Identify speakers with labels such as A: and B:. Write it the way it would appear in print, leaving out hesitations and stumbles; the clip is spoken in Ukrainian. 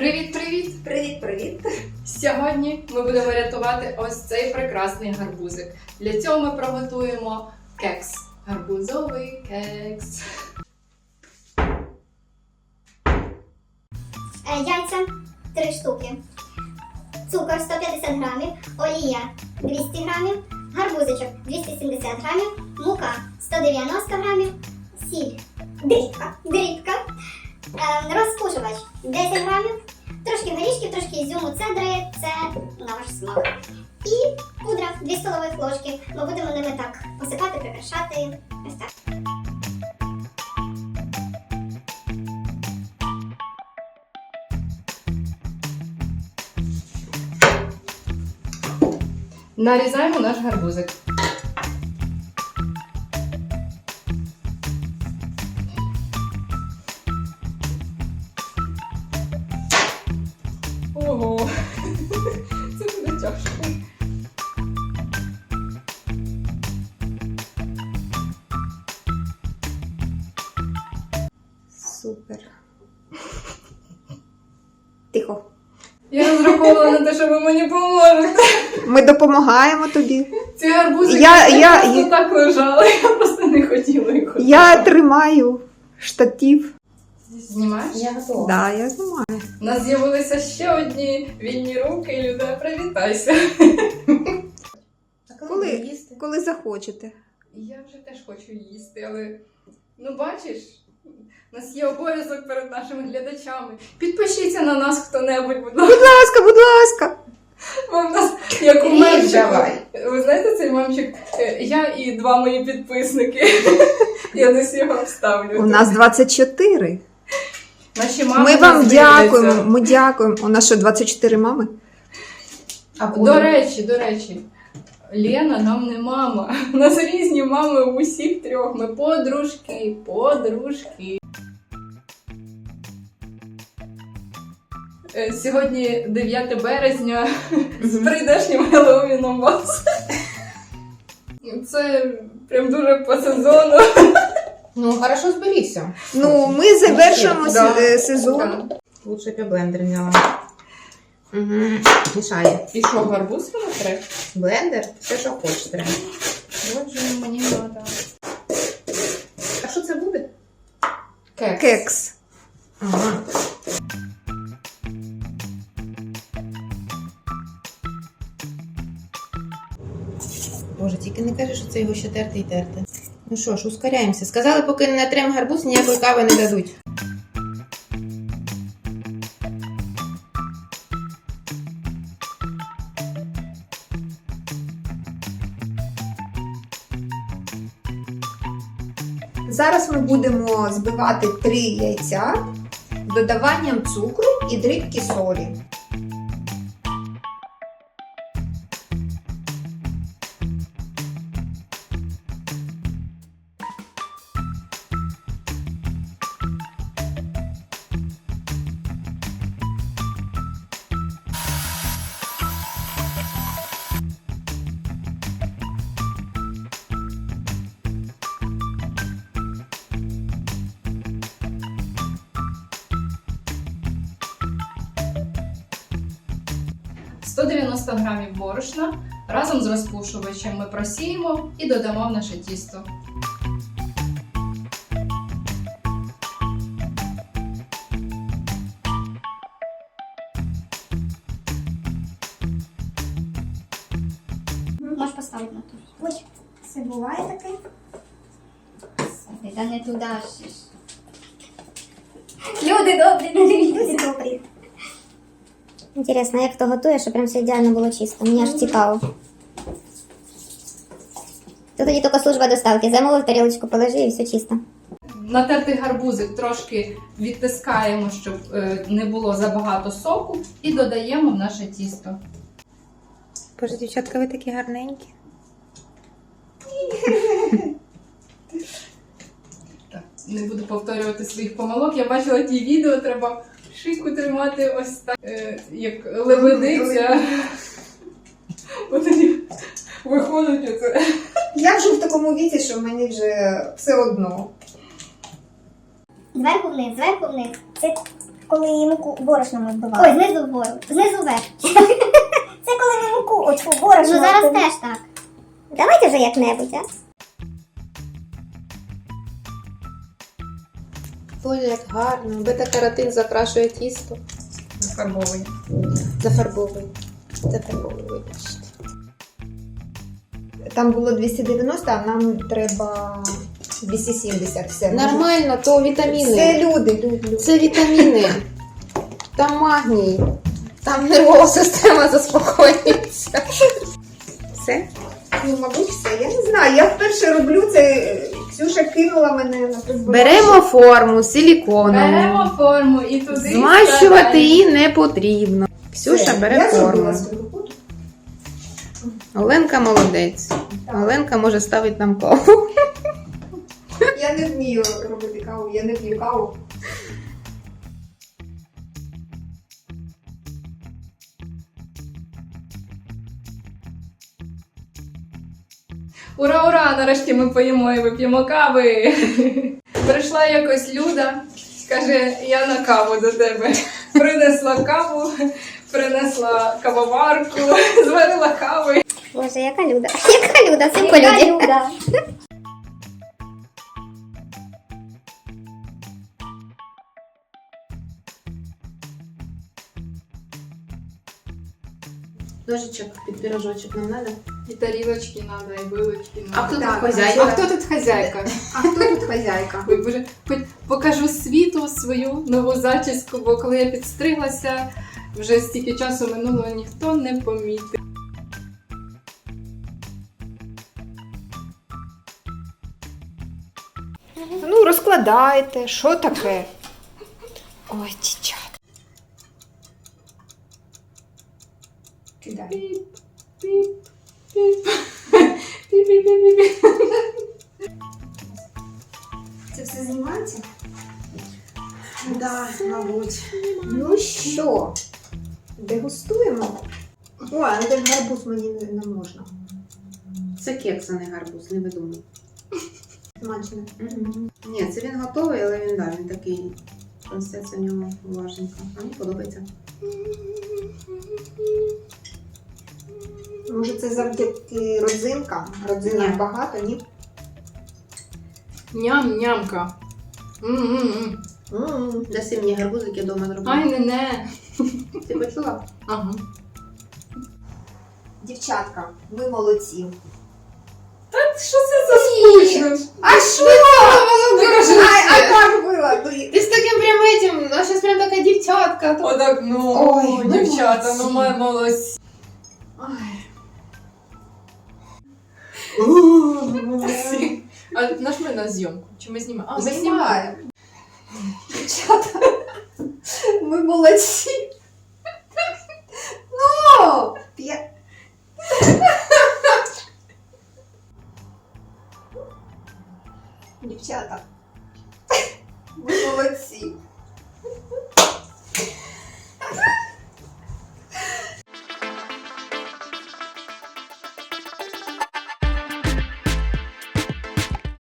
A: Привіт-привіт!
B: Привіт-привіт!
A: Сьогодні ми будемо рятувати ось цей прекрасний гарбузик. Для цього ми приготуємо кекс. Гарбузовий кекс.
C: Яйця 3 штуки, цукор 150 грамів, олія 200 грамів, гарбузичок 270 грамів, мука 190 грамів, сіль, дрібка, розпушувач 10 грамів, трошки горішків, трошки ізюму, цедри, це на ваш смак. І пудра 2 столових ложки. Ми будемо ними так посипати, прикрашати. Ось так.
A: Нарізаємо наш гарбузик. Ого! Це буде тяжко.
B: Супер. Тихо.
A: Я розраховувала на те, що ви мені поможете.
B: Ми допомагаємо тобі.
A: Ці гарбузики просто так лежали, я просто не хотіла їх.
B: Я тримаю штатив.
A: Знімаєш?
D: Я готова.
B: Да, я знімаю.
A: У нас з'явилися ще одні вільні руки, Люда, привітайся.
B: Коли захочете.
A: Я вже теж хочу їсти, але, ну бачиш, у нас є обов'язок перед нашими глядачами. Підпишіться на нас хто-небудь, будь ласка.
B: Будь ласка, будь ласка.
A: Бо в нас, як у мемчику.
D: давай.
A: Ви знаєте цей мемчик? Я і 2 мої підписники. Я десь його вставлю.
B: У нас 24.
A: Наші мами
B: Ми
A: нас
B: вам
A: дивляться.
B: дякуємо. Ми дякуємо. У нас що, 24 мами?
A: До речі, Лена нам не мама. У нас різні мами у усіх 3. Ми подружки. Сьогодні 9 березня з прийдешнім Геловіном вас. Це прям дуже по сезону.
D: Ну, хорошо зберігся.
B: Ну, ми завершуємо
A: Да.
B: сезон.
D: Лучше б я блендер взяла. Угу. Мішає.
A: І що, гарбуз треба?
D: Блендер? Все, що хочеш треба.
A: Отже, мені треба.
D: А що це буде?
B: Кекс.
D: Ага. Боже, тільки не кажи, що це його ще терти і терти. Ну що ж, ускоряємося. Сказали, поки не натрем гарбуз, ніякої кави не дадуть.
B: Зараз ми будемо збивати 3 яйця з додаванням цукру і дрібки солі.
A: – 190 грамів борошна разом з розпушувачем ми просіємо і додамо в наше тісто.
C: Можеш поставити на ту. Ой, це буває таке. Та не туди ж. Люди добрі, люди добрі. Інтересно, як хто готує, щоб прям все ідеально було чисто. Мені аж цікаво. Тут тоді тільки служба доставки. Замовив тарілочку, положи і все чисто.
A: Натертий гарбузик трошки відтискаємо, щоб не було забагато соку, і додаємо в наше тісто.
D: Боже, дівчатка, ви такі гарненькі.
A: Так, не буду повторювати своїх помилок. Я бачила ті відео, треба шийку тримати ось так, як лебедиця. От тоді виходить оце.
B: Я вже в такому віці, що мені вже все одно.
C: Зверху вниз, зверху вниз. Цик,
E: коли муку борошном збивали.
C: Ой, знизу вгору, знизу вверх.
E: Це коли ми муку оцю борошно.
C: Ну зараз
E: збивали.
C: теж так.
E: Давайте вже як-небудь, а?
D: Боже, як гарно. Бета-каротин закрашує тісто.
A: Зафарбовує.
D: Зафарбовує. Зафарбовує, вибачте.
B: Там було 290, а нам треба 270. Все.
D: Нормально, то вітаміни.
B: Це люди.
D: Це вітаміни. Там магній. Там нервова система заспокоюється. Все?
B: Ну, мабуть, все. Я не знаю. Я вперше роблю це. Ксюша кинула мене на призбирання.
D: Беремо форму силіконову.
A: Беремо форму і туди
D: Змащувати
A: вставляємо.
D: її не потрібно. Ксюша бере
B: Я
D: форму.
B: зробила свою роботу.
D: Оленка молодець. Оленка може ставити нам каву.
B: Я не вмію робити каву, я не п'ю каву.
A: Ура, ура! Нарешті ми поїмо і вип'ємо кави. Прийшла якось Люда, каже, я на каву до тебе. Принесла каву, принесла кавоварку, зварила кави.
E: Боже, яка люда. Яка люда, це по
C: Яка
E: люді.
C: Люда?
D: Ножичок під пірожочок нам треба?
A: І тарілочки треба, і вилочки
D: А хто
A: треба.
D: тут хазяйка?
A: А хто тут хазяйка?
B: А хто тут хазяйка?
A: Ой, Боже, хоч покажу світу свою нову зачіску, бо коли я підстриглася, вже стільки часу минуло, ніхто не помітив.
B: Ну, розкладайте, що таке? Ой, дівчата. Кидай.
A: Піп, піп, піп. Піп-піп-піп-піп.
B: Це все знімається?
D: Да, мабуть.
B: Ну що, дегустуємо? Ой, але ж гарбуз мені не можна.
D: Це кекс, а не гарбуз, не видумуй.
B: Смачно.
D: Ні, це він готовий, але він такий. Консистенція в ньому важенька. А мені подобається.
B: Може це завдяки родзинкам? Родзинок
D: Ні.
B: багато, ні?
A: Ням-нямка. М-м-м.
D: Даси мені гарбузик, я вдома зроблю.
A: Ай, не-не.
D: Ти почула?
A: Ага.
B: Дівчатка, ви молодці.
A: Що це за скучно?
B: А що?
A: Ну, кажи
B: А
A: ще.
B: як було?
D: Ти з таким прям этим, а зараз прям така дівчатка.
A: Отак, ну,
B: Ой,
A: дівчата,
B: молодці.
A: ну ми молодці. Молодці. А наш ми на зйомку? Чи ми знімаємо? А, ми знімаємо.
B: Дівчата, ви молодці. Ну, дівчата, ви молодці.